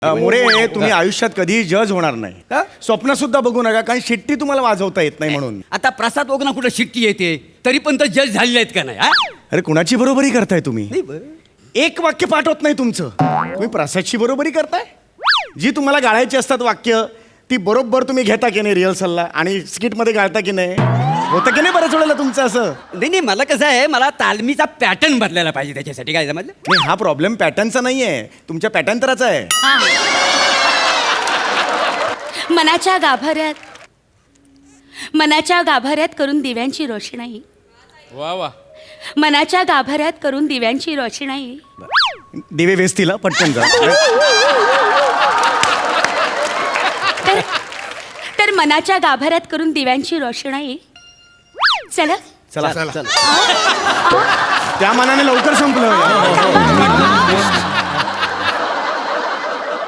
मोरे तुम्ही आयुष्यात कधीही जज होणार नाही. स्वप्न सुद्धा बघू नका, कारण शिट्टी तुम्हाला वाजवता येत नाही म्हणून. आता प्रसाद ओगना कुठं शिट्टी येते तरी पण तर जज झालेले आहेत का नाही हा? अरे कुणाची बरोबरी करताय तुम्ही? नाही बरं. एक वाक्य पाठ होत नाही तुमचं. तुम्ही प्रसादची बरोबरी करताय. जी तुम्हाला गाळायची असतात वाक्य ती बरोबर तुम्ही घेता की नाही रिहर्सलला आणि स्किट मध्ये गाळता की नाही? होतं की नाही बऱ्याच वेळेला तुमचं असं? नाही मला कसं आहे, मला तालमीचा पॅटर्न बदलायला पाहिजे त्याच्यासाठी. काय समजलं? नाही, हा प्रॉब्लेम पॅटर्नचा नाहीये, तुमच्या पॅटर्नतराचा आहे. मनाच्या गाभाऱ्यात करून दिव्यांची रोषणाई. वा वा. मनाच्या गाभाऱ्यात करून दिव्यांची रोषणाई. दिवे वेचतील पटकन जा. तर मनाच्या गाभाऱ्यात करून दिव्यांची रोषणाई. चला चला त्या मानाने लवकर संपलं.